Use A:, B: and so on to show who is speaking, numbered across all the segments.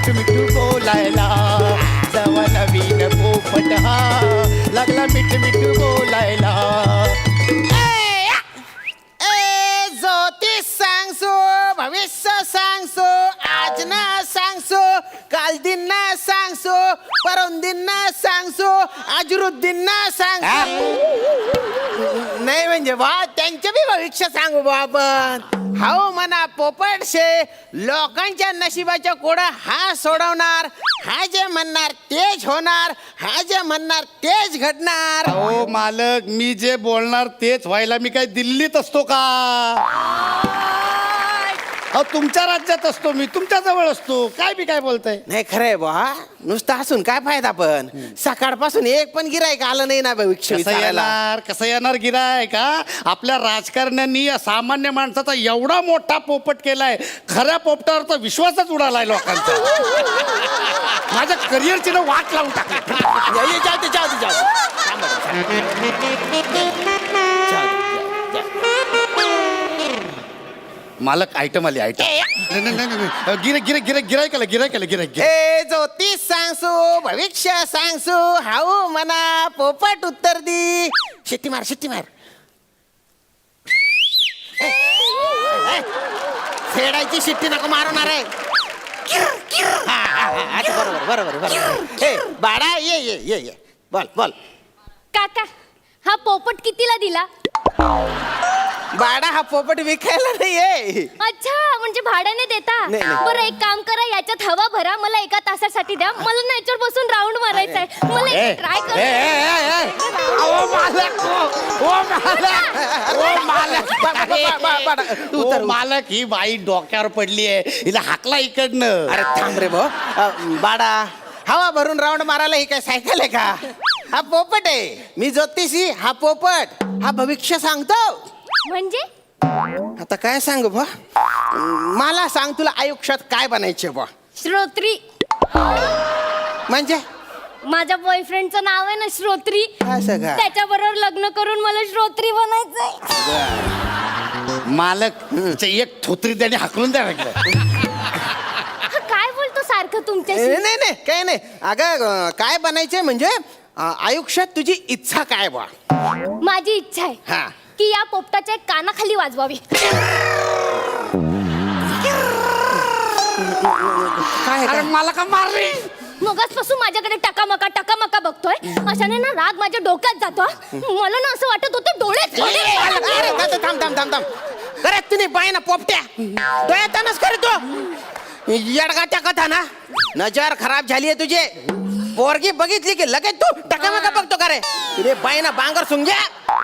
A: मिठू मिठू बोलायला. जवा नवीन पोपट हा लागला मिठू मिठू बोलायला.
B: ज्योतिष सांगसो, भविष्य सांगसो, आज ना सांगसो, काल दिन ना सांगसो, परम दिन ना सांगसो, अजरुद्दीन ना सांगसो. नाही म्हणजे बा त्यांचे बी भविष्य सांगू बा आपण. हाऊ म्हणा पोपट शे, लोकांच्या नशिबाच्या कोडा हा सोडवणार. हा जे म्हणणार तेच होणार, हा जे म्हणणार तेच घडणार.
A: हो मालक, मी जे बोलणार तेच व्हायला मी काय दिल्लीत असतो का? अहो तुमच्या राज्यात असतो मी, तुमच्या जवळ असतो. काय बी काय बोलताय?
B: नाही खरंय बा, नुसतं हसून काय फायदा. पण सकाळपासून एक पण गिरायक आलं नाही ना भविष्य विचारायला.
A: कसं येणार गिराय का? आपल्या राजकारण्यांनी या सामान्य माणसाचा एवढा मोठा पोपट केलाय, खऱ्या पोपटावर तर विश्वासच उडालाय लोकांचा. माझ्या करिअरची ना वाट लावून टाकली. मालक आयटम आली आयटम. गिरायक.
B: हे ज्योतिष सांगसू, भविष्य सांगसू, हाऊ म्हणा पोपट उत्तर दी. शिट्टी मार, शिट्टी मार. फेडायची शिट्टी नको मारणार आहे. बरोबर बरोबर बरोबर. हे बाळा ये ये ये ये, बोल बोल.
C: काका, हा पोपट कितीला दिला?
B: बाळा हा पोपट विकायला नाहीये.
C: अच्छा, म्हणजे भाड्याने देता?
B: नाही, नाही.
C: बरं एक काम करा, याच्यात हवा भरा, मला एका तासासाठी द्या. मला नाहीतर बसून राऊंड मारायचा आहे. मला ट्राय
A: मालक ही बाई डोक्यावर पडली आहे, हिला हाकला इकडनं.
B: अरे थांब रे भाऊ. बाळा हवा भरून राऊंड मारायला ही काय सायकल आहे का? हा पोपट आहे. मी ज्योतिषी, हा पोपट. हा भविष्य सांगतो.
C: म्हणजे
B: आता काय सांगू बा? मला सांग, तुला आयुष्यात काय बनायचे बा?
C: श्रोत्री.
B: म्हणजे
C: माझ्या बॉयफ्रेंडचं नाव आहे ना श्रोत्री.
B: असं का?
C: त्याच्याबरोबर लग्न करून मला श्रोत्री बनायचंय.
A: मालक एक थोत्री त्याने हाकलून द्या लागलं.
C: हा, काय बोलतो सारखं तुमच्याशी?
B: नाही नाही काही नाही. अगं काय बनायचे म्हणजे आयुष्यात तुझी इच्छा काय बा?
C: माझी इच्छा आहे
B: हा
C: की या पोपटाच्या कानाखाली वाजवावी.
B: काय
A: अरे मला का मारली?
C: मगाचपासून माझ्याकडे टकामका बघतोय. अशाने ना राग माझ्या डोक्यात जातो. मला ना असं वाटत होतं डोळ्यात
B: थांब थांब थांब थांब. अरे तुम्ही बाय ना पोपट्या डोळ्यातच करतो येडगाच्या कथा ना. नजर खराब झालीये तुझे. पोरगी बघितली की लगेच तू टकामका बघतो का रे? तुझे बाय ना बांगर सुंग्या.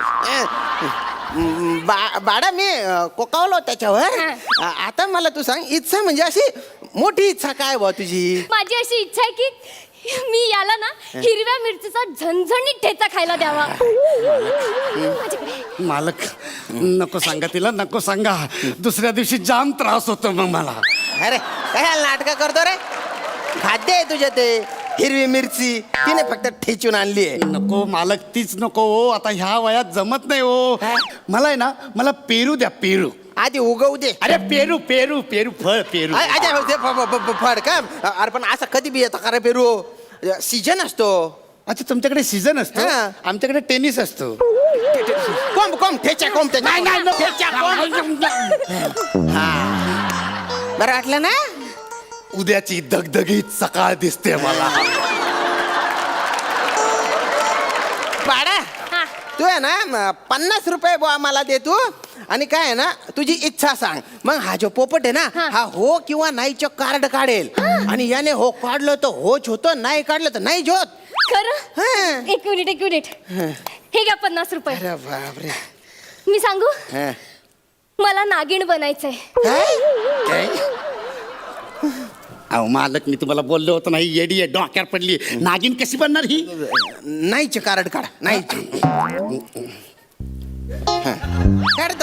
B: बाळा मी कोकावलो त्याच्यावर. आता मला तू सांग, इच्छा म्हणजे अशी मोठी इच्छा काय बा तुझी?
C: माझी अशी इच्छा आहे की मी याला ना हिरव्या मिरचीचा झणझणीत ठेचा खायला द्यावा.
A: मालक नको सांगा तिला, नको सांगा. दुसऱ्या दिवशी जाम त्रास होतो मग मला.
B: अरे काय नाटक करतो रे? खाद्य आहे तुझ्या ते हिरवी मिरची, तिने फक्त ठेचून आणली आहे.
A: नको मालक, तीच नको हो. आता ह्या वयात जमत नाही हो. मला आहे ना, मला पेरू द्या, पेरू.
B: आधी उगवू दे.
A: अरे पेरू पेरू पेरू फळ पेरू.
B: फड का? अरे पण असं कधी बी येतं का रे पेरू? सीजन असतो.
A: अच्छा तुमच्याकडे सीझन असतो, आमच्याकडे टेनिस असतो.
B: कोंब कोंब ठेच्या कोंब
A: नाही नाही
B: बरं वाटलं ना?
A: उद्याची दगदगीत सकाळ दिसते मला.
B: पाडा तू आहे ना 50 रुपये बुवा मला दे तू. आणि काय आहे ना, तुझी इच्छा सांग. मग हा जो पोपट आहे ना, हा हो किंवा नाहीचं कार्ड काढेल. आणि याने हो काढलं तर होच होतं, नाही काढलं तर नाही होत.
C: खरं? एक मिनिट. हे घ्या 50 रुपये.
B: अरे बापरे.
C: मी सांगू, मला नागिण बनायचंय.
A: अहो मालक, मी तुम्हाला बोललो होतो नाही, येडी आहे, डोक्यावर पडली. नागिन कशी बनणार ही?
B: नाहीचे कार्ड काढ. नाही काढतो.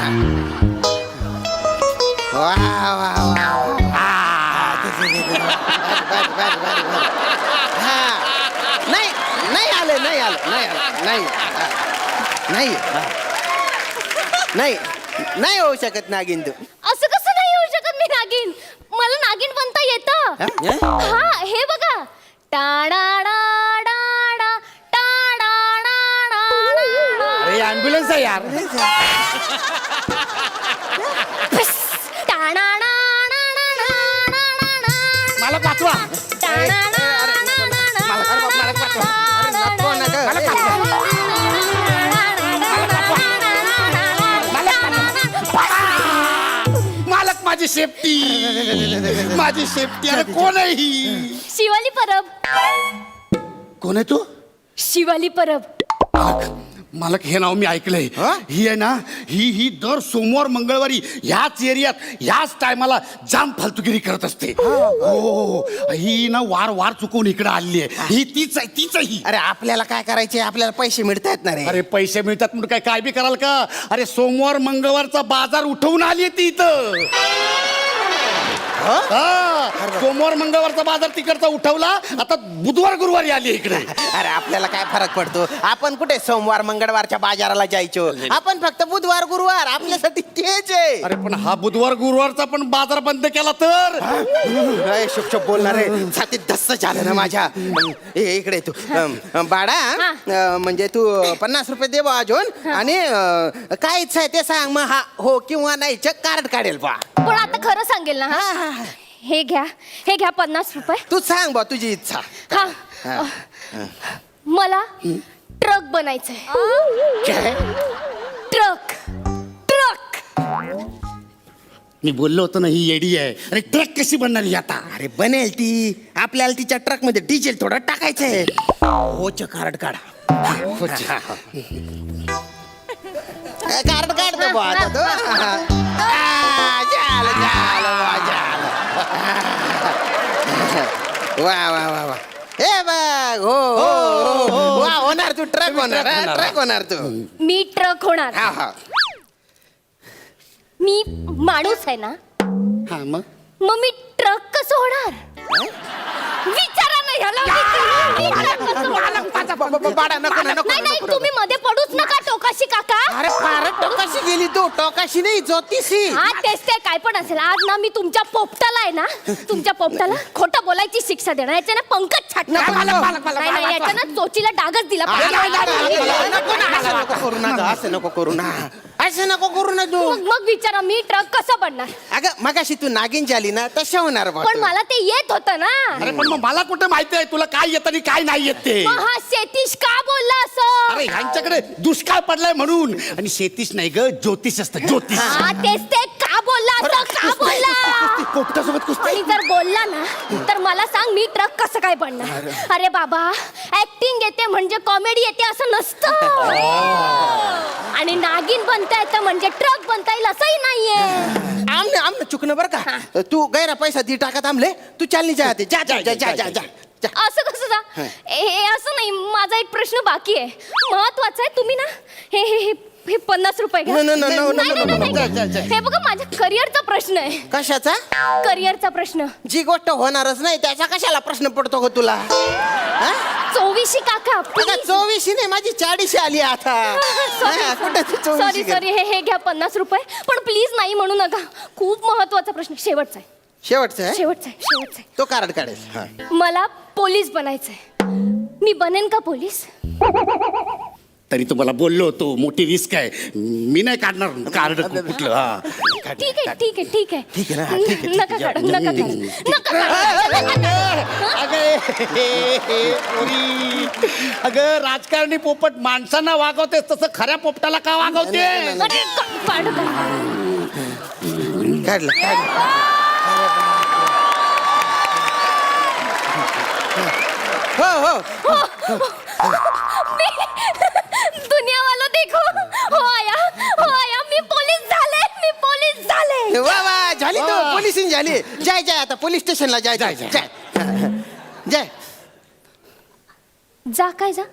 B: वा वा वा. नाही नाही आलं नाही आलं नाही आलं नाही नाही नाही नाही होऊ शकत नागिन तू.
C: असं कसं नाही होऊ शकत मी नागिन? मला नागिन बनता येतं. हा हे बघा. टाडाडाडाडा, टाडाडाडाडा.
A: अरे ॲम्ब्युलन्स आहे यार. मला पाठवा. मालक माझी सेफ्टी. माझी सेफ्टी. अरे कोण आहे ही?
C: शिवाली परब.
A: कोण आहे तू?
C: शिवाली परब.
A: मालक हे नाव मी ऐकलंय. ही आहे ना, ही दर सोमवार मंगळवारी ह्याच एरियात ह्याच टायमाला जाम फालतुगिरी करत असते. हो ही ना वार चुकवून इकडे आली आहे. ही तीच आहे, तीच आहे ही.
B: अरे आपल्याला काय करायचे, आपल्याला पैसे मिळतायत ना रे.
A: अरे पैसे मिळतात म्हणून काय बी कराल का? अरे सोमवार मंगळवारचा बाजार उठवून आली ती इथं. सोमवार मंगळवारचा बाजार तिकडचा उठवला, आता बुधवार गुरुवारी आली इकडे.
B: अरे आपल्याला काय फरक पडतो, आपण कुठे सोमवार मंगळवारच्या बाजाराला जायचो, आपण फक्त बुधवार गुरुवार आपल्यासाठी तेच आहे.
A: अरे पण हा बुधवार गुरुवारचा पण बाजार बंद केला तर
B: शुभ बोलणार आहे. छातीत धस्स झालं ना माझ्या. इकडे तू बाळा, म्हणजे तू 50 रुपये दे बा अजून, आणि काय इच्छा आहे ते सांग, मग हा हो किंवा नाही कार्ड काढेल बा.
C: पण आता खरं सांगेल ना. हे घ्या 50 रुपये.
B: तू सांग बा तुझी इच्छा.
C: हा मला ट्रक बनायचंय. ट्रक.
A: मी बोललो होतो ना ही येडी आहे. अरे ट्रक कशी बनणार ही आता?
B: अरे बनेल ती. आपल्याला तिच्या ट्रक मध्ये डिझेल थोडं टाकायचंय. होच कार्ड काढा. कार्ड काढतो बा आता तो. वा वा वा वा. हे बघ. हो वा, होणार तू ट्रक होणार. ट्रक होणार तू.
C: मी ट्रक होणार.
B: हा हा.
C: मी माणूस आहे ना,
A: हा मग
C: मी ट्रक कसं होणार? विचारा ना ह्याला.
B: बाळा नको नको.
C: नाही तुम्ही मध्ये पडूच नका टोकाशी काका.
B: अरे फारच टोकाशी गेली तू. टोकाशी नाही, ज्योतिषी.
C: हा तेच ते काय पण असेल. आज ना मी तुमच्या पोपटाला आहे ना, तुमच्या पोपटाला खोटं बोलायची शिक्षा देणार. याच्या ना पंकज छाटणार. नाही याच्या ना चोचीला डागच दिला
B: असं नको करू ना, असं नको करू ना, असं नको करू ना तू.
C: मग विचारा मी ट्रक कसं बनणार?
B: अगं मगाशी तू नागिन झाली ना, तशा होणार बा
C: पण
B: तू.
C: मला ते येत होतं ना.
A: अरे पण मग मला कुठे माहिती आहे तुला काय येतं आणि काय नाही येत ते?
C: मग हा शेतीश का बोलला असं?
A: अरे ह्यांच्याकडे दुष्काळ पडलाय म्हणून. आणि शेतीश नाही ग, ज्योतिष असतं, ज्योतिष.
C: हा तेच ते का बोलला असं? का बोलला?
A: पोपटासोबत कुस्ती.
C: आणि जर बोलला ना तर मला सांग मी ट्रक कसं काय बनणार? अरे बाबा, ऍक्टिंग येते म्हणजे कॉमेडी येते असं नसतं. आणि नागिन बनता येतं म्हणजे ट्रक बनता येईल असंही नाहीये.
B: आमने चुकणं बरं का. तू गैरा पैसा दी टाकत आमले. तू चालनी जा आते. जा जा जा जा जा जा.
C: असं कसं जा? हे असं नाही. माझा एक प्रश्न बाकी आहे, महत्वाचा आहे. तुम्ही ना हे 50 रुपये घ्या.
B: No, no, no, no, no,
C: नाही,
B: no,
C: नाही,
B: no,
C: नाही,
B: no,
C: नाही.
B: जा.
C: हे बघा माझ्या करिअरचा प्रश्न आहे.
B: कशाचा?
C: करिअरचा प्रश्न.
B: जी गोष्ट होणारच नाही त्याचा कशाला प्रश्न पडतो ग तुला?
C: 24 काका
B: आता
C: please.
B: 24 नाही, माझी 40 आली आता. हा, कुठे तू 24
C: सॉरी हे घ्या 50 रुपये. पण प्लीज नाही म्हणू नका. खूप महत्वाचा प्रश्न. शेवटचा आहे.
B: शेवटचं आहे?
C: शेवटचा आहे.
B: तो कार्ड काढेल. हा.
C: मला पोलीस बनायचंय. मी बनेन का पोलीस?
A: तरी तुम्हाला बोललो होतो मोठी रिस्क आहे. मी नाही काढणार कार्ड कुठलं. हा
C: ठीक आहे.
B: ठीक आहे ना, ठीक आहे.
C: नका काढू, नका काढू.
A: अगं राजकारणी पोपट माणसांना वागवते तसं खऱ्या पोपटाला का वागवते?
C: अरे, काढू.
B: काढलं. हो
C: दुनिया वाला देखो. हो आया मी पोलीस झाले.
B: वा वा, झाली तू पोलिसिंग झाली. जाय आता पोलीस स्टेशनला जाय.
A: जाय.
C: जा काय जा?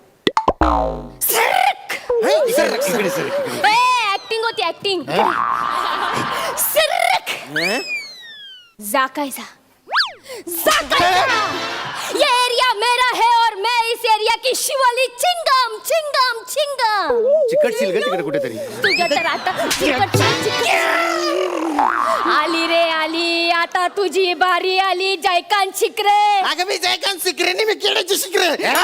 C: ऍक्टिंग होती ऍक्टिंग. जा काय जा? ये एरिया मेरा है और मैं इस एरिया की शिवाली चिंगम.
A: चिकटशील ग तिकडे कुठेतरी.
C: तुझ्या तर आता चिकट. आली रे आली, आता तुझी बारी आली जयकांत शिकरे.
B: अगं मी जयकांत शिकरे नाही, मी केळ्याची शिकरे.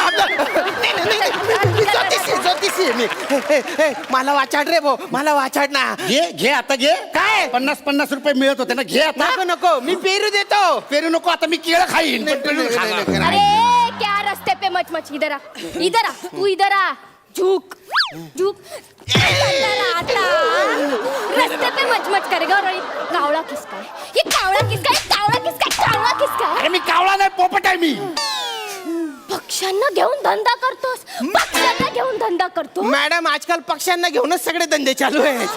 B: मी ज्योतिषी आहे मी. मला वाचाड रे भाऊ, मला वाचाड ना.
A: घे आता घे.
B: काय?
A: 50 रुपये मिळत होते ना, घे आता.
B: नको नको, मी पेरू देतो.
A: पेरू नको, आता मी केळं खाईन.
B: नाही,
A: पण पेरू
B: नाही,
A: खाणार.
B: नाही, नाही.
C: अरे क्या रस्ते पे मच मच, इधर आ, इधर आ, तू इधर आ. झुक झुक. आता रस्ते पे मच मच करेगा. और ये कावळा किसका है? ये कावळा किसका है? कावळा किसका है? कावळा किसका है?
A: अरे मी कावळा नाही, पोपट आहे मी.
C: पक्ष्यांना घेऊन धंदा करतोस, पक्ष्यांना घेऊन धंदा करतो.
B: मॅडम आजकाल पक्ष्यांना घेऊनच सगळे धंदे चालू आहेत.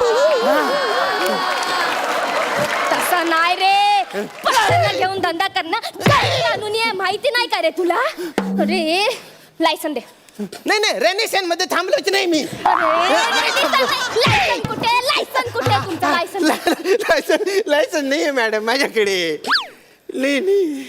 C: तसं नाही रे, पक्ष्यांना घेऊन धंदा करणं कानूनी आहे, माहिती नाही का रे तुला? अरे लायसन दे.
B: नाही नाही, रेनेशन मध्ये थांबलोच नाही मी.
C: लायसन कुठे? लायसन कुठे? तुमचं लायसन
B: लायसन लायसन नाही आहे मॅडम माझ्याकडे. नाही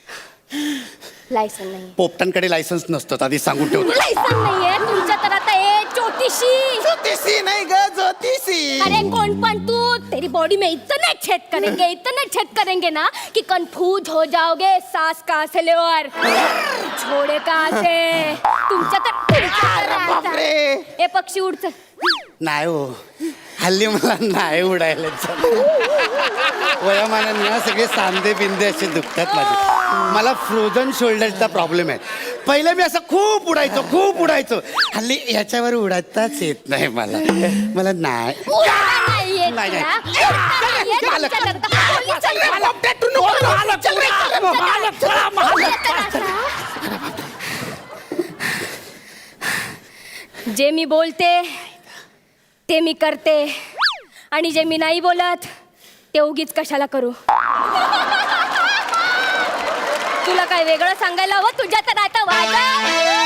C: लायसन नाही.
A: पोपटांकडे लायसन्स नसतं, आधी सांगून ठेवतो.
C: लायसन नाहीये तुमच्या. तर आता ए ज्योतिषी.
B: ज्योतिषी नाही ग, ज्योतिषी.
C: अरे कौन पण तू, तेरी बॉडी में इतना छेद करेंगे ना कि कंफ्यूज हो जाओगे. सांस कहाँ से ले और छोड़े कहाँ से. तुमच्या तर
B: बापरे.
C: ए पक्षी उडच.
A: नाही हो, हल्ली मला नाही उडायला वयामानाने ना सगळे सांधे बिंदे असे दुखतात माझे. मला फ्रोझन शोल्डरचा प्रॉब्लेम आहे. पहिले मी असं खूप उडायचो. हल्ली याच्यावर उडताच येत नाही मला. मला नाही.
C: नाहीये
A: नाही, नाही.
C: तुला. नाहीये
A: मालक.
C: तुमच्याकडं. पोलिसांना- जे मी बोलते ते मी करते, आणि जे मी नाही बोलत ते उगीच कशाला करू. तुला काय वेगळं सांगायला हवं? तुझ्या तर आता वाजा.